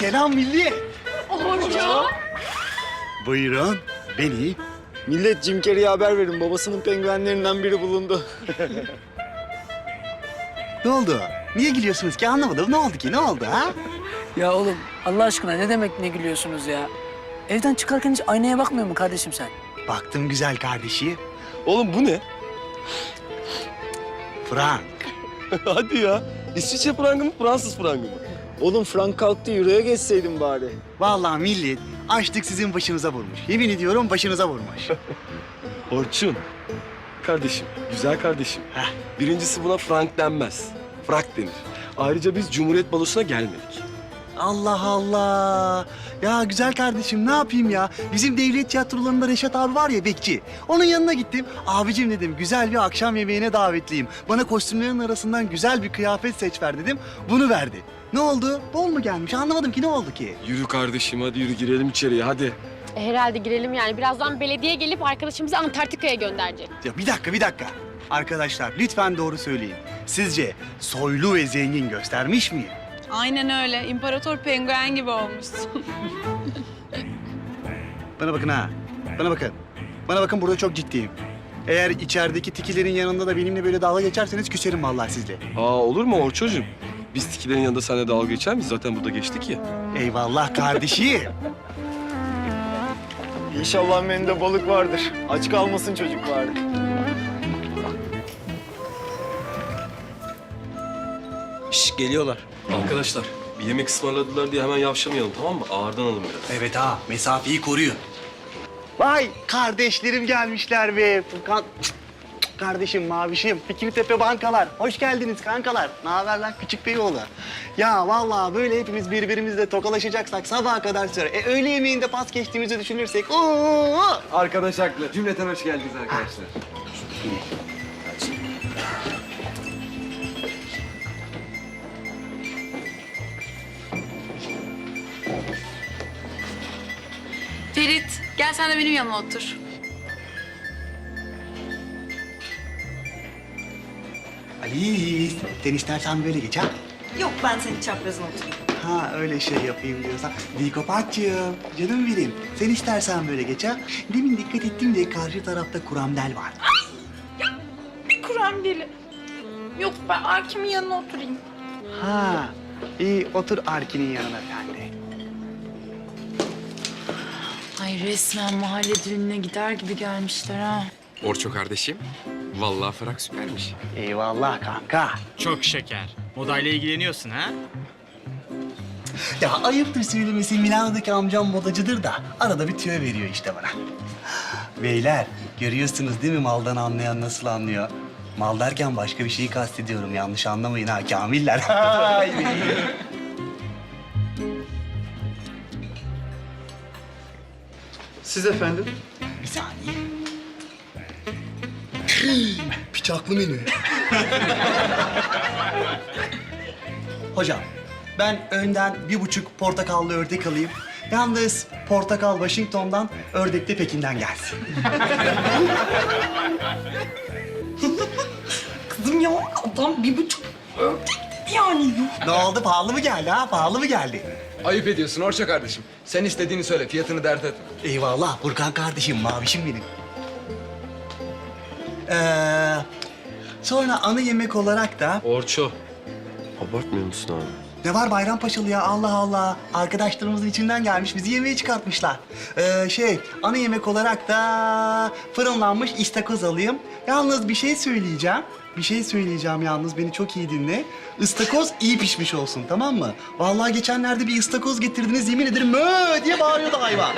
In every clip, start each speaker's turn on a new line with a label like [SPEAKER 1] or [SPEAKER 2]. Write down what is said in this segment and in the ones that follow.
[SPEAKER 1] Selam millet.
[SPEAKER 2] Orço.
[SPEAKER 1] Buyurun. Ben iyiyim.
[SPEAKER 3] Millet Jim Carrey'e haber verin. Babasının penguenlerinden biri bulundu.
[SPEAKER 1] Ne oldu? Niye gülüyorsunuz ki? Anlamadım. Ne oldu ki? Ne oldu ha?
[SPEAKER 4] Ya oğlum Allah aşkına ne demek ne gülüyorsunuz ya? Evden çıkarken hiç aynaya bakmıyor mu kardeşim sen?
[SPEAKER 1] Baktım güzel kardeşi.
[SPEAKER 5] Oğlum bu ne?
[SPEAKER 1] Frank.
[SPEAKER 5] Hadi ya. İsviçre frangı mı, Fransız frangı mı?
[SPEAKER 3] Oğlum frank kalktı, euroya geçseydin bari.
[SPEAKER 1] Vallahi millet açlık sizin başınıza vurmuş. Yemin ediyorum başınıza vurmuş.
[SPEAKER 5] Orçun. Kardeşim, güzel kardeşim.
[SPEAKER 1] Heh.
[SPEAKER 5] Birincisi buna frank denmez. Frak denir. Ayrıca biz Cumhuriyet Balosu'na gelmedik.
[SPEAKER 1] Allah Allah. Ya güzel kardeşim ne yapayım ya? Bizim devlet tiyatrolarında Reşat abi var ya bekçi. Onun yanına gittim. Abicim dedim güzel bir akşam yemeğine davetliyim. Bana kostümlerin arasından güzel bir kıyafet seç ver dedim. Bunu verdi. Ne oldu? Bol mu gelmiş? Anlamadım ki ne oldu ki?
[SPEAKER 5] Yürü kardeşim, hadi yürü girelim içeriye, hadi.
[SPEAKER 2] Herhalde girelim yani. Birazdan belediye gelip arkadaşımızı Antarktika'ya gönderecek.
[SPEAKER 1] Ya bir dakika. Arkadaşlar lütfen doğru söyleyin. Sizce soylu ve zengin göstermiş miyim?
[SPEAKER 6] Aynen öyle. İmparator penguen gibi olmuşsun.
[SPEAKER 1] Bana bakın ha. Bana bakın. Bana bakın burada çok ciddiyim. Eğer içerideki tikilerin yanında da benimle böyle dalga geçerseniz küserim vallahi sizle.
[SPEAKER 5] Olur mu Orçocuğum? Biz tikilerin yanında seninle dalga geçer miyiz? Zaten burada geçtik ya.
[SPEAKER 1] Eyvallah kardeşim.
[SPEAKER 3] İnşallah menüde balık vardır. Aç kalmasın çocuk bari.
[SPEAKER 7] Şş, geliyorlar.
[SPEAKER 5] Arkadaşlar, bir yemek ısmarladılar diye hemen yavşamayalım, tamam mı? Ağırdan alın biraz.
[SPEAKER 1] Evet ha, mesafeyi koruyun. Vay kardeşlerim gelmişler be. Furkan, kardeşim, mavişim, Fikirtepe bankalar. Hoş geldiniz kankalar. Ne haber lan küçük beyoğlu? Ya vallahi böyle hepimiz birbirimizle tokalaşacaksak sabaha kadar sürer. Öğle yemeğinde pas geçtiğimizi düşünürsek ooo.
[SPEAKER 7] Arkadaş haklı. Cümleten hoş geldiniz arkadaşlar.
[SPEAKER 6] Ferit, gel sen de benim yanıma otur.
[SPEAKER 1] Ali, sen istersen böyle geç ha.
[SPEAKER 8] Yok ben senin çaprazına oturayım.
[SPEAKER 1] Ha öyle şey yapayım diyorsan. Dikopatçığım, canım benim. Sen istersen böyle geç ha. Demin dikkat ettim de karşı tarafta kuramdel var.
[SPEAKER 8] Bir Kur'an deli. Yok ben Akim'in yanına oturayım.
[SPEAKER 1] Ha, iyi otur Arkin'in yanına sen de.
[SPEAKER 6] Ay resmen mahalle düğününe gider gibi gelmişler ha.
[SPEAKER 9] Orço kardeşim, vallahi frak süpermiş.
[SPEAKER 1] Eyvallah kanka.
[SPEAKER 10] Çok şeker. Modayla ilgileniyorsun ha?
[SPEAKER 1] Ya ayıptır söylemesi Milano'daki amcam modacıdır da arada bir tüyo veriyor işte bana. Beyler görüyorsunuz değil mi maldan anlayan nasıl anlıyor? Mal derken başka bir şeyi kastediyorum yanlış anlamayın ha kamiller.
[SPEAKER 3] Siz efendim?
[SPEAKER 1] Bir saniye. Bıçaklı menü. Hocam, ben önden 1,5 portakallı ördek alayım. Yalnız portakal Washington'dan, ördek de Pekin'den gelsin.
[SPEAKER 8] Kızım ya adam 1,5 ördek dedi yani.
[SPEAKER 1] Ne oldu? Pahalı mı geldi ha? Pahalı mı geldi?
[SPEAKER 7] Ayıp ediyorsun Orço kardeşim. Sen istediğini söyle, fiyatını dert etme.
[SPEAKER 1] Eyvallah Burkan kardeşim, mavişim benim. Sonra ana yemek olarak da...
[SPEAKER 5] Orço, abartmıyor musun abi?
[SPEAKER 1] Ne var Bayrampaşalı ya Allah Allah. Arkadaşlarımızın içinden gelmiş bizi yemeğe çıkartmışlar. Ana yemek olarak da fırınlanmış istakoz alayım. Yalnız bir şey söyleyeceğim. Bir şey söyleyeceğim yalnız beni çok iyi dinle. İstakoz iyi pişmiş olsun tamam mı? Vallahi geçenlerde bir istakoz getirdiniz yemin ederim mö diye bağırıyordu hayvan.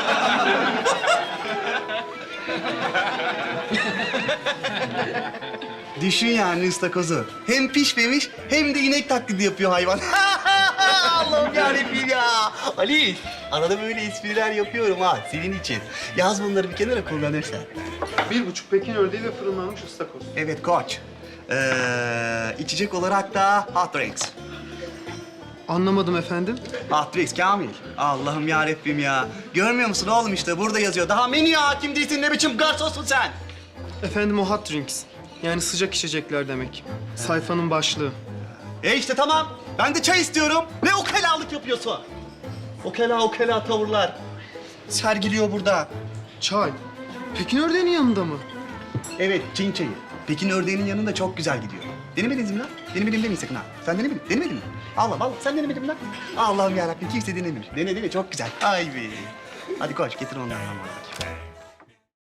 [SPEAKER 1] Düşün yani ıstakozu. Hem pişmemiş hem de inek taklidi yapıyor hayvan. Allah'ım yarabbim ya. Ali, arada böyle espriler yapıyorum ha senin için. Yaz bunları bir kenara kullanırsan.
[SPEAKER 3] 1,5 Pekin ördeği ve fırınlanmış ıstakoz.
[SPEAKER 1] Evet koç. İçecek olarak da hot drinks.
[SPEAKER 3] Anlamadım efendim.
[SPEAKER 1] Hot drinks Kamil. Allah'ım yarabbim ya. Görmüyor musun oğlum işte burada yazıyor. Daha menüye hakim değilsin ne biçim garsonsun sen?
[SPEAKER 3] Efendim o hot drinks. Yani sıcak içecekler demek. Sayfanın başlığı.
[SPEAKER 1] İşte tamam. Ben de çay istiyorum. Ne ukalalık yapıyorsun? Okela tavırlar sergiliyor burada.
[SPEAKER 3] Çay. Pekin ördeğinin yanında mı?
[SPEAKER 1] Evet, Çin çayı. Pekin ördeğinin yanında çok güzel gidiyor. Denemediniz mi lan? Denemedim demeyin sakın ha. Sen denemedin mi? Allah, sen denemedin mi lan? Allah'ım yarabbim, kimse denememiş. Dene, çok güzel. Ay be. Hadi koş, getir onları bana bakayım.